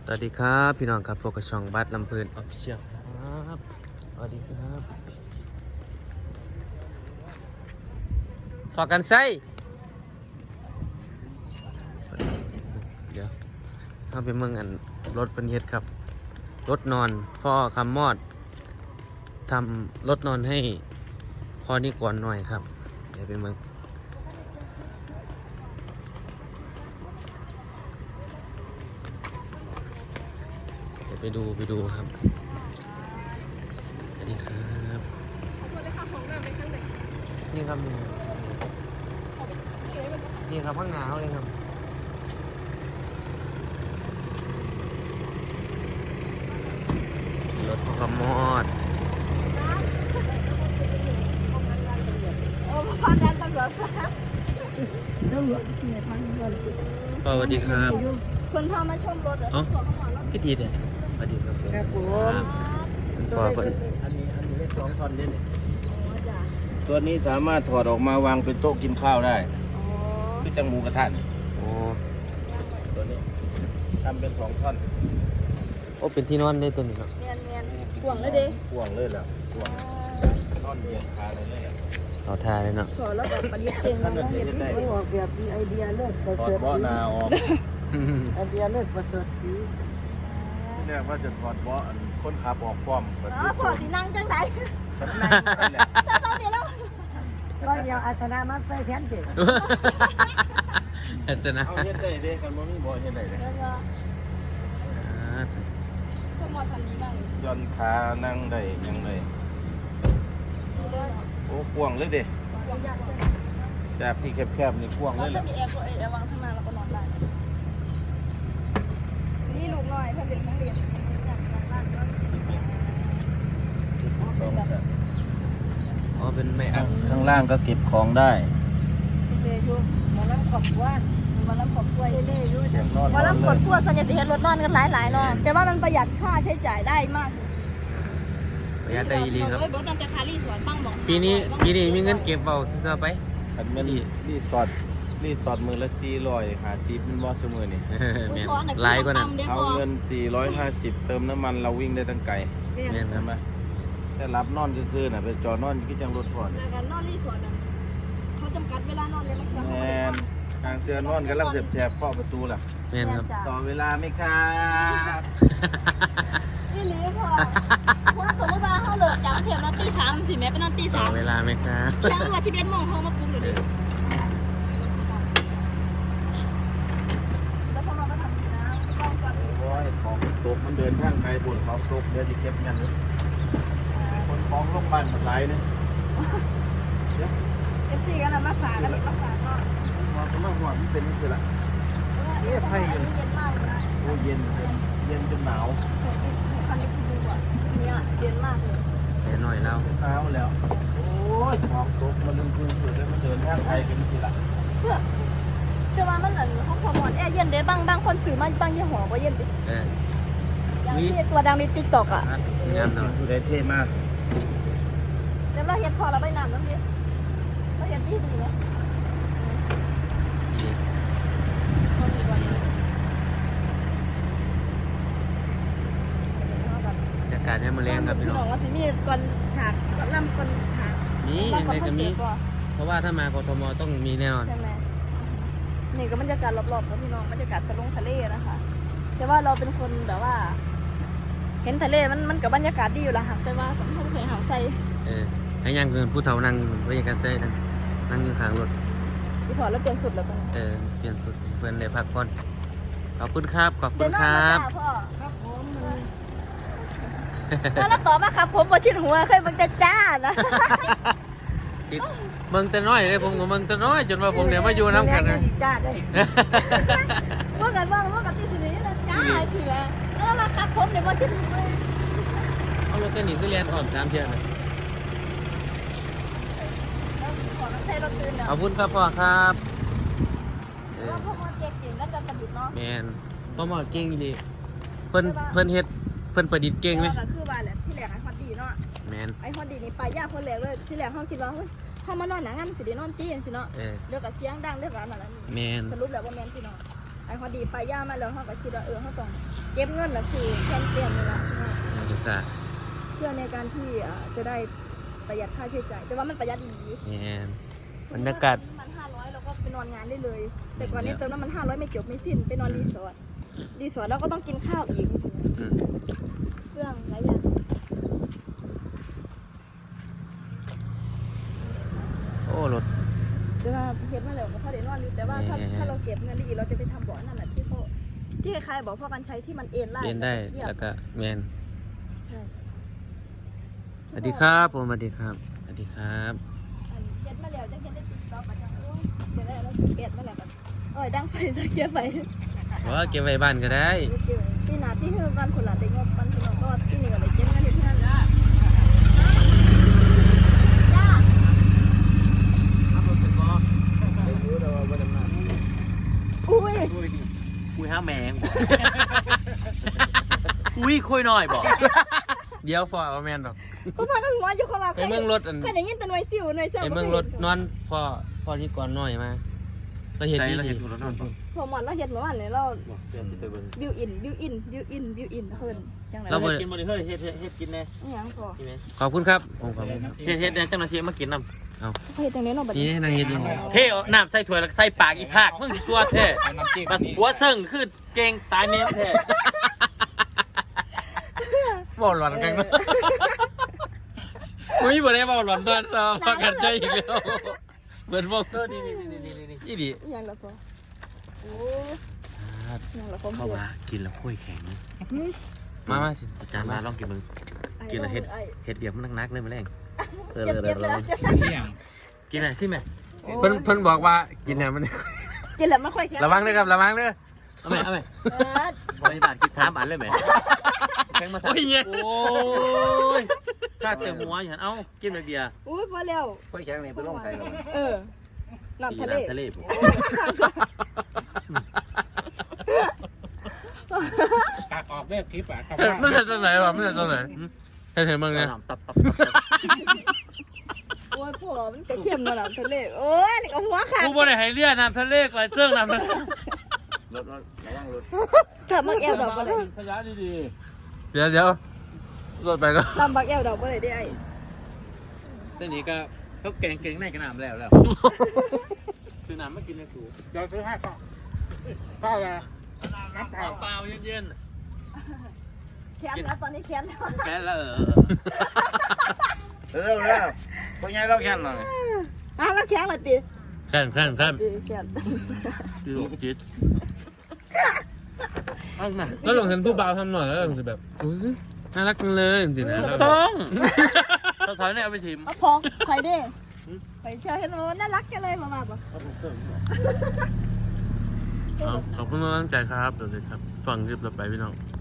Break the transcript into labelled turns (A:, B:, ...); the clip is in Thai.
A: สวัสดีครับพี่น้องครับพวกกระช่องบัตรลำเพลินออฟฟิเชียลครับสวัสดีครับถอดกันไส้เดี๋ยวเข้าไปเมืองอันรถเป็นเฮ็ดครับรถนอนพ่อคำมอดทำรถนอนให้พ่อนี่ก่อนหน่อยครับเดี๋ยวไปเมืองไปดูครับสวัสดีครับนี่ครับนี่ครับข้างหนาวเลยครับรถพ่อขมอดสวัสดีครับ
B: คนพามาชมรถเหรอ
A: พี่ดีเลยสวัสดีครับ
C: ครับผม
A: พอคน
C: อันนี้เลข2 ท่อนนี่ตัวนี้สามารถถอดออกมาวางเป็นโต๊ะกินข้าวได้คือจังหมูกระทะนี่
A: โอ้
C: ตัวนี้ทำเป็น2 ท่อน
A: โอ้เป็นที่นอนได้ตัวนี้ครับ
B: เมียนกวางเลยดิ
C: กวางเลยล่ะกวางนอนเหยียดขาเลยเลย
A: เอาทาเลยเนาะ
B: ขอแล้วแบบประดิษฐ์เอง
C: ท่า
B: นะ
C: นเห็นได้
D: ไม่ออกแบบมีไอเดียเลิศประ
C: ถอ
D: เสริ
C: ด
D: ฐ
C: เบาะ
D: สี
C: นาออก
D: ไอเดียเลิศประเสริฐสี
C: ที่แรกว่าจะถอดเบาะคนขับออกพร้อมแบบ
B: อ๋อพอสีนั่งจังไส
C: นั่นแหละ
B: ตอนนี้แล้ว
D: ก็เดี๋ยวอาสนะมาใส่แทนเด็ก
A: เห็นจะนะ
C: เอาเฮ็ดได้เด้กันบ่มีเบาะเฮ็ดได้เลย
B: ก็มอทันนี้บ้าง
C: ย่อนขานั่งได้ยังไงโอ้กวางเลยเด้จากที่แคบๆนี่กวาง
B: เรา
C: เลย
B: จะ
C: ล่ะ
B: มีแอร์วางข้างหน้าแล้วก็นอนได้นี่ลูกน้อยถ้าเป็นนักเรียน
A: อ๋อเป็นไม่อัพ
C: ข้างล่างก็เก็บของได้
B: เลยช่วง
D: หมอลำขอบว่า
B: วันละขอบกล้วย
D: เล่ๆด้วย
C: เก็บนอน
B: วันละขอบกล้วยสัญญาติเห็นรถนอนกันหลายๆเนาะแต่ว่ามันประหยัดค่าใช้จ่ายได้มาก
A: ประหยัดได้ดีครับ
B: รถนำแต่คารีสวนบ้างบอก
A: ปีนี้มีเงินเก็บเบาซื้อๆไป
C: อันมันรีสอร์ทมือละ450มันบ่ซุมื้อนี่
A: แม่นหลายกว่านั้น
C: เอาเงิน450เติมน้ำมันเราวิ่งได้ตั้งไกล
A: แม่นค
C: ใช่
A: รับ
C: ไหมแต่รับนอนซื่อๆน่ะไปจอดนอนคือจังรถพอนี่
B: การนอนรีสอร์ทเขาจำกัดเวลานอนเลยมั้ง
C: แม่นทางเตือนนอนกำลังแสบๆเคาะประตูล่ะ
A: แม่นครับ
C: ต่อเวลาไหมครับ
B: นี่หรือพอว่าสมมติว่าเขาเลิกจากเทียมนอนตีสามสิแม่ไปนอนตี
A: ต่
B: สา
A: อ
B: ม
A: เวลาไหมครับ
B: เที่ยงวัน11 โมงเขามาปลุกหนูดิแล้วพอเราก็ทำนะต้องก่อน
C: โอ้ยของตกมันเดินทางไกลบนของตกเดี๋ยวจะเก็บเงินเลยคนของโรงพยาบาลมันหลายเนี่ย
B: เอฟซีกันนะมาฝากกันมาฝากก็
C: ว่าก็มาหัวมันเป็นนี่สิละ
B: เย็นมากเลยนะ
C: โอ้เย็นจนหนาว
B: คันนี้คือดูอ่ะเนี่ยเย็นมากเลย
A: เดี๋ยวหน่อยแล้ว
C: หนาวแล้วโอ้ยของตกมันลืมคืนเผื่อได้มันเดินทางไกลเป็นสิละ
B: เพื่อจะว่ามันเหมือนห้องพมอนแอร์เย็นเด้บางคนซื้อมาบางยี่ห้อว่าเย็นดิ
A: เออ
B: อย่างที่ตัวดังในติ๊กต็อกอ่ะ
A: งามเนาะ
C: ผู้ใดเท่มาก
B: แล้วเราเห็นพอเราไปน้ำน้ำดิเราเห็นที่ดีไหม
A: ดีบรรยากาศให้มาแรงครับพี่น้อง
B: ว่าที่นี่ก่อนฉากก่อนล่ำก่อนฉาก
A: มียังไงก็มีเพราะว่าถ้ามากทมต้องมีแน่นอน
B: ใช่ไหมนี่ก็บรรยากาศรอบๆครับพี่น้องบรรยากาศทะเลนะคะแต่ว่าเราเป็นคนแบบว่า เห็นทะเลมันกับบรรยากาศดีอยู่ละค่ะแต่ว่าผมไม่เคยหาใส่
A: เออให้ยังเกินผู้เฒ่านั่งบรรยากาศใจนั่งอยู่ข้างรถ
B: ที่พอแล้วเปลี่ยนสุดแล้วกัน
A: เปลี่ยนสุดให้เพื่อนได้พักผ่อนขอบคุณครับ ขอบคุ
B: เดี๋ย
A: ณ
B: ว
A: ค
B: น้อง
A: รั
B: มา
A: บ
B: จ้าพ่อ
D: ครับผม
B: แล้วต่อมาครับผมบอชิดหัวเคยมันจะจ้านะ
A: ติดเมืองแต่น้อยเลยผมกับเมืองแต่น้อยจนว่าผมเนี่ยมาอยู่น้ำกันเลย
D: จ้าได้
B: ว่ากันว่ากันที่สินี้แล้วจ้าสิแม่แล้วมาครับผมเดี๋ยวบอชิดหัว
A: เอารถกันหนีคือเรียนอ่อม3 เที่ยวเลย
B: ขอน้ำใช้รถตื่นเนาะ
A: ขอบคุณครับพ่อครับเออ
B: ว่าพวกมันเก่งจริงนั่นจะประดิษฐ์เนาะ
A: แมนพ่อหมอเก่งดีเพิ่นเฮ็ดเพิ่นประดิษฐ์เก่งไหม
B: ก็คือว่าแหละที่แรกไอ้ฮอตดีเนาะ
A: แมน
B: ไอ้ฮอตดีนี่ไปยากคนแรกเลยที่แรกเขาคิดว่าเฮ้ยเขามานอนหนังงั้นสิได้นอนตีนสิเนาะ
A: เออ
B: เรื่องกับเสียงดังเรื่องอะไรนั่น
A: แมน
B: สรุปแล้วว่าแมนพี่น้องไอ้อ้พอดีไปย่ามาแล้วเขาก็คิดว่าเขาต้องเก็บเงินละสิแทนเปลี่ยนนี่ละ
A: จะสะ
B: เพื่อในการที่จะได้ประหยัดค่าใช้จ่ายแต่ว่ามันประหยัดดี
A: เนี่ยบรรยากาศ
B: มัน500เราก็ไปนอนงานได้เลย แต่ก่อนนี้เติมน้ำมัน500ไม่จบไม่สิ้นไปนอนรีสอร์ทแล้วก็ต้องกินข้าวอีก
A: อืม
B: เครื่องหลายอย่าง
A: โอ้รถ
B: แต่ว่าเฮ็ดมาแล้วก็พอได้นอนอยู่แต่ว่าถ้าเราเก็บเงินดีๆเราจะไปทำบ่อนั่นแหละที่ใครบอกพ่อกันใช้ที่มันเอ็นได้
A: เรียนได้แล้วก็แมน
B: ใช่
A: สวัสดีครับผมสวัสดีครับสวัสดีครับ
B: เฮ็ดมาแล้วจะเฮ็ดได้ติดต่อกันจังโอ้ยเดี๋ยวได้แล้วเก็บมาแล้วกันดังไฟจะเก็บไฟ
A: ว่าเก็บไว้บ้านก็ได้
B: ปีหน้าที่คือกันคนละได้งบกันพี่น้องก็ปีนี้ก็เลยเก็บเงินอยู่ที่นั่นจ้าอุ้ย
E: คุยห้าแมงอุ้ยคุยหน่อยบอก
A: เดี๋ยวพอเอาแมนหรอก
B: เขาพากันหัวอยู่เขาว่า
A: ไปเมืองรถอัน
B: เคยได้ยินแต่หน่วยซิวหน่วยเซล
A: ไปเมืองรถนอนพอที่ก่อนหน่อยมาเราเห็นดี
E: เรา
A: ดี
E: เห็นรถนอนบอก
B: พอหมอนเราเฮ็ดเมื่อวานเนี่ยเรา
E: เดี๋ยวไปเบิ่ง
B: บิวอินเพิ่นจังไร
E: เราเฮ็ดกินบ่ได้เฮ้ยเฮ็ดกินแน่
B: อิหยังพอ
E: กินแน่
A: ขอบคุณครับผมขอบคุณครับ
E: เฮ็ดแน่จังหวะเสียมากินน้
B: เฮ็ดจังได๋เนาะบัด
A: นี่
B: นี้
A: นางเฮ็ดดี
E: ำเท่น้ำใส่ถ้วยแล้วใส่ปากอีภาคมึงสิซัวแท้บัดหัวเซิงคือเก่งตายแม่แท้
A: บอกหลอนกันนะอุ้ยบ่ได้บอกหลอนตอนเราพักกันใจอีกแล้วเหมือนพวก
E: นี่
A: อีดี
B: อิหยังล่ะพอโอ้อิหยังล่ะพอ
E: เข้ามากินแล้วค่อยแข็ง
A: มาสิ
E: อาจารย์มาลองกินมึงกินแล้วเฮ็ดเดียบมันนักๆเลยมื้อแรง
B: เจ็บแล้ว
E: กินอะไรสิแม่
A: เพิ่นบอกว่ากินเนี่ยมัน
B: กินแล้วมันค่อยแข็ง
A: ระวังด้วยครับระวังด้วย
E: เอาไหมบริบาทกิน3 อันเลยไหมแข็งมา3โอ้ยข้าเต็มหัวอย่างนั้นเอ้ากินแบบเบียร์
B: อุ้ยพอแล้ว
C: ค่อยแข็งนี่ไปลงใส่ลง
B: น้ำทะเล
E: ทะเลผม
C: ตักออกได้คลิปอ่ะครับ
A: ไม่ใช่ตรงไหนวะไม่ใช่ตรงไหนเห็นมึงไง
E: ตับ
B: โอ้ยพวกมันจะเข้มเนาะน้ำทะเลโอ้ยนี่ก็หัวขาด
E: กูบ่ได้ให้เรียกน้ำทะเลก่อนเสื่องน้ำทะเล
C: รถระวังรถ
B: ถ้ามักแอวดอกบ่ได้
E: ขยะดี
A: เดี๋ยวรถไปก็
B: ลำบักแอวดอกบ่ได้ได้ไอ้
E: ๆแต่นี้ก็เขาแกงในกระน้ำแล้วซื้อน้ำมากินในสูบ
C: เดี๋ยวซื้อให้ก็ข้าวอะไรน้ำเปล่า
E: เปล่าเย็น
B: แขนแล้วตอนนี้แขนแล้ว
E: ๆแค่แล้ว
C: เร็วพวกยายเราแค่นหน่อย
B: แล้วแข็งเลยติ
A: แข่ง
B: แขน
E: คือลูกจิตเอามา
A: ก็ลองเห็นผู้บ่าวทำหน่อยแล้วลองสิแบบอุ้ยน่ารักจังเลยจริงๆนะแล้วแบบ
E: ต้องเราถอยเนี่ยเอาไปถิ่ม
B: เอาพอใครเด้ไปเชื่อเห็นโอ้น่ารักจังเลยมาบอก
A: ขอบคุณมากตั้งใจครับเดี๋ยวเลยครับฟังคลิปเราไปพี่น้อง